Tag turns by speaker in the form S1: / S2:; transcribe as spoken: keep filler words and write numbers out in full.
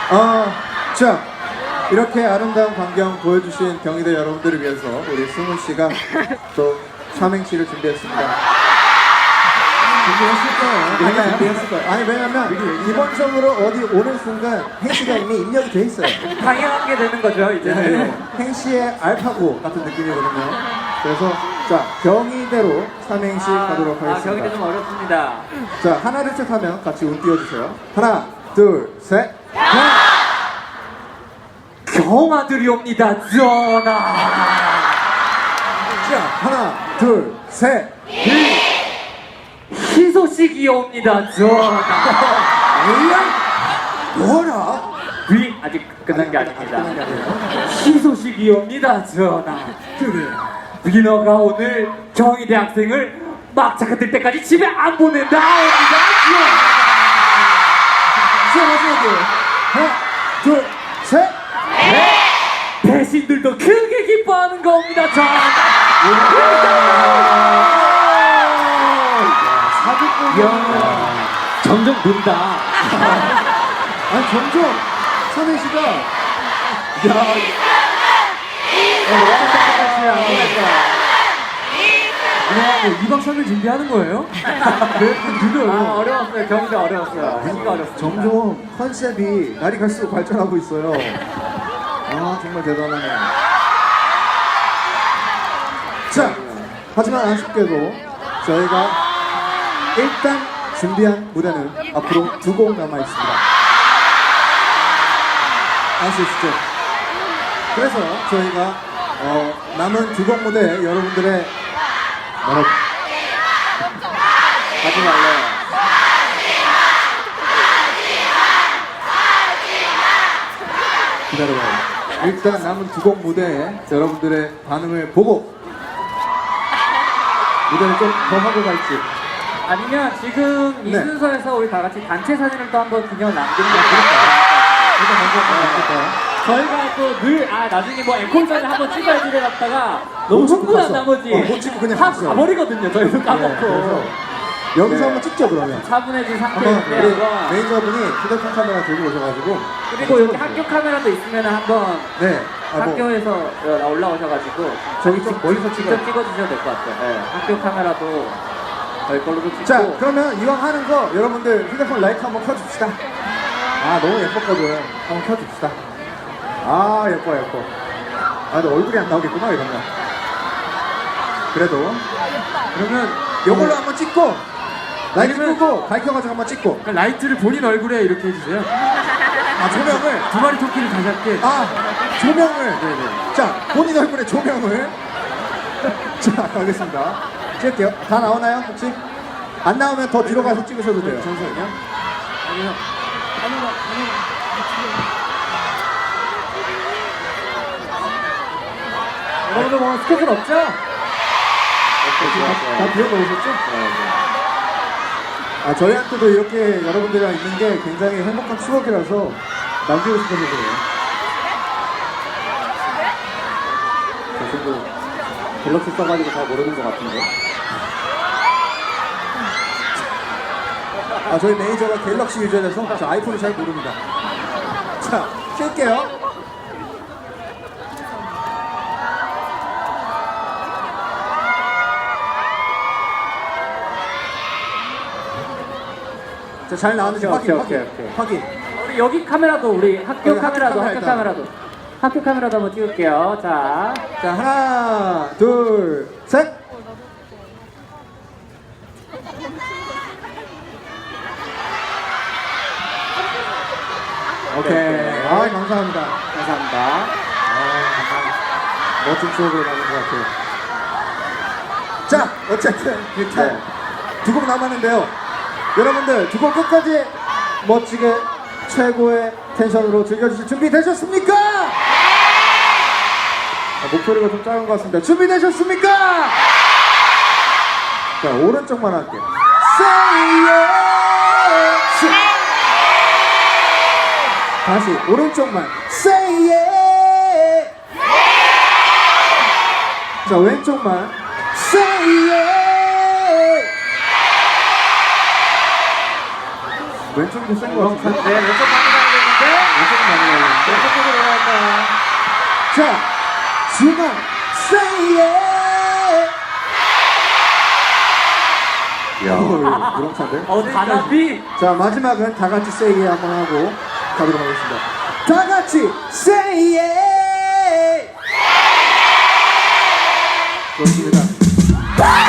S1: 어, 자, 이렇게 아름다운 광경 보여주신 경희대 여러분들을 위해서 우리 승훈 씨가 또 삼행시를 준비했습니다. 준비했을 거예요. 아니, 준비했을 거예요. 아니, 왜냐면 기본적으로 어디 오는 순간 행시가 이미 입력이 돼 있어요.
S2: 당연하게 되는 거죠, 이제.
S1: 네, 행시의 알파고 같은 느낌이거든요. 그래서 자, 경희대로 삼행시
S2: 아,
S1: 가도록
S2: 아,
S1: 하겠습니다.
S2: 경희대 좀 어렵습니다.
S1: 자, 하나, 둘, 셋 하면 같이 운 띄워주세요. 하나, 둘, 셋.
S2: 경아들이 옵니다, 전하.
S1: 자, 하나, 둘, 셋.
S2: 희소식이 옵니다, 전하.
S1: 뭐라?
S2: 위 아직 끝난 게 아닙니다.
S1: 끝난 게 아니에요.
S2: 희소식이 옵니다, 전하.
S1: 그래.
S2: 위너가 오늘 경희대 학생을 막차가 뜰 때까지 집에 안 보낸다 옵니다,
S1: 자, 마지막에 하나, 둘, 셋.
S2: 전하. 배신들도 크게 기뻐하는 겁니다, 전하.
S1: 사기꾼.
S2: 야, 점점 는다.
S1: 아니, 점점 삼행시가 야,
S2: 이 박 삼 일 준비하는 거예요?
S1: 느려요.
S2: 아, 어려웠어요. 경희대 어려웠어요. 하기가 어렵습니다.
S1: 점점 컨셉이 날이 갈수록 발전하고 있어요. 아, 정말 대단하네요. 자, 하지만 아쉽게도 저희가 일단 준비한 무대는 앞으로 두 곡 남아 있습니다. 아시죠? 그래서 저희가 어, 남은 두 곡 무대 여러분들의 뭐라고?
S2: 하지 말래요.
S1: 기다려봐요. 일단 남은 두 곡 무대에 여러분들의 반응을 보고 무대를 좀 더 하고 갈지.
S2: 아니면 지금 이
S1: 네.
S2: 순서에서 우리 다 같이 단체 사진을 또 한번 기념 남기는 게
S1: 일단 먼저 갈까요?
S2: 저희가 또 늘 아 나중에 뭐 앵콜 사진 한번 찍어야지 이래놨다가 너무 흥분한
S1: 갔어.
S2: 나머지
S1: 어, 못 찍고 그냥
S2: 다
S1: 갔어요.
S2: 가버리거든요. 저희도
S1: 네,
S2: 까먹고
S1: 그래서 여기서
S2: 네.
S1: 한번 찍죠, 그러면.
S2: 차분해진
S1: 한번
S2: 상태인데
S1: 우리
S2: 한번
S1: 매니저분이 휴대폰 카메라 들고 오셔가지고
S2: 그리고 여기 학교 카메라도 있으면 한번
S1: 네. 아, 뭐,
S2: 학교에서 어, 올라오셔가지고
S1: 저기 좀 멀리서
S2: 직접
S1: 찍어요.
S2: 찍어주셔도 될 것 같아요. 네. 학교 카메라도 저희 걸로도 찍고
S1: 자, 그러면 이왕 하는 거 여러분들 휴대폰 라이트 한번 켜줍시다. 아, 너무 예뻤거든. 한번 켜줍시다. 아, 예뻐, 예뻐. 아, 근데 얼굴이 안 나오겠구나, 이러면. 그래도. 그러면 요걸로 한번 찍고, 라이트
S2: 아니면-
S1: 끄고, 밝혀가지고 한번 찍고.
S2: 그러니까 라이트를 본인 얼굴에 이렇게 해주세요.
S1: 아, 조명을.
S2: 두 마리 토끼를 다시 할게.
S1: 아, 조명을.
S2: 네네.
S1: 자, 본인 얼굴에 조명을. 자, 가겠습니다. 찍을게요. 다 나오나요, 혹시? 안 나오면 더 뒤로 가서 찍으셔도 돼요.
S2: 잠시만요. 아니요. 아니요. 아니요. 여러분들 뭐 스케줄 없죠?
S1: 다, 다 비워 놓으셨죠? 아, 저희한테도 이렇게 여러분들이랑 있는 게 굉장히 행복한 추억이라서 남기고 싶어서 그래요. 저 친구 갤럭시 써가지고 잘 모르는 것 같은데. 아, 저희 매니저가 갤럭시 유저라서 저 아이폰을 잘 모릅니다. 자, 킬게요. 자, 잘 나왔는지
S2: 오케이,
S1: 확인,
S2: 오케이,
S1: 확인,
S2: 오케이.
S1: 확인.
S2: 우리 여기 카메라도 우리 학교
S1: 여기 학교
S2: 카메라도
S1: 카메라
S2: 학교
S1: 일단.
S2: 카메라도 학교 카메라도 한번 찍을게요. 자.
S1: 자, 하나, 둘, 셋. 오케이.
S2: 네.
S1: 아, 감사합니다.
S2: 감사합니다.
S1: 아, 감사합니다. 멋진 추억으로 남은 것 같아요. 자, 어쨌든 일단
S2: 네.
S1: 두 곡 남았는데요. 여러분들 두 곡 끝까지 멋지게 최고의 텐션으로 즐겨주실 준비 되셨습니까? 아, 목소리가 좀 작은 것 같습니다. 준비되셨습니까? 자, 오른쪽만 할게요. Say yes. 다시 오른쪽만. Say yes. 자, 왼쪽만. Say yes. 왼쪽도 센 것 같은데?
S2: 네, 왼쪽 많이 나오겠는데?
S1: 왼쪽은 많이 나오는데.
S2: 어떻게 들어갈까요?
S1: 자, 지금 say yeah. 야, 우렁찬데?
S2: 어, 단합이?
S1: 자, 마지막은 다 같이 say yeah 한번 하고 가도록 하겠습니다. 다 같이 say yeah. 좋습니다.